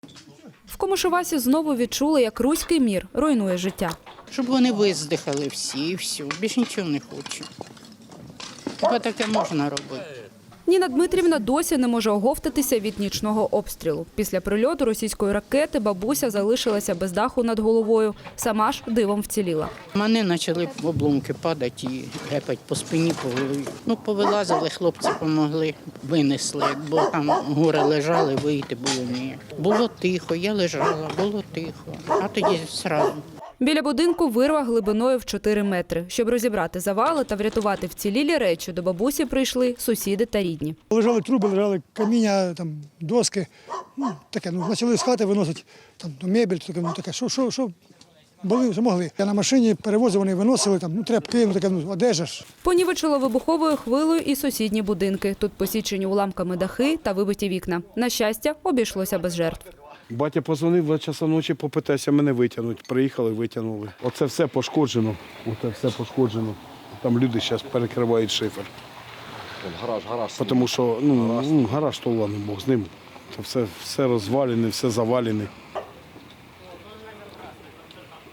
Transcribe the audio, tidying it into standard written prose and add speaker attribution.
Speaker 1: В Комишувасі знову відчули, як руський мір руйнує життя.
Speaker 2: Щоб вони виздихали всі і все. Більше нічого не хочу. Хіба таке можна робити?
Speaker 1: Ніна Дмитрівна досі не може оговтатися від нічного обстрілу. Після прильоту російської ракети бабуся залишилася без даху над головою. Сама ж дивом вціліла.
Speaker 2: Мене почали обломки падати і гепать по спині, по голові. Ну, повилазили, хлопці допомогли, винесли. Бо там гори лежали, вийти було ніяк. Було тихо, я лежала, було тихо. А тоді одразу.
Speaker 1: Біля будинку вирва глибиною в 4 метри. Щоб розібрати завали та врятувати вцілілі речі, до бабусі прийшли сусіди та рідні.
Speaker 3: Лежали труби, лежали каміння, там, доски. Таке, почали з хати виносити там, мебель, таке, що були, що могли. Я на машині перевозив, вони виносили, там, тряпки, одежа ж.
Speaker 1: Понівечило вибуховою хвилею і сусідні будинки. Тут посічені уламками дахи та вибиті вікна. На щастя, обійшлося без жертв.
Speaker 4: Батя позвонив 2 часа ночі, попитайся мене витягнути. Приїхали, витягнули. Оце все пошкоджено. Там люди зараз перекривають шифер.
Speaker 5: Гараж.
Speaker 4: Тому що гараж то ладно, Бог з ним. Це все розвалене, все завалене.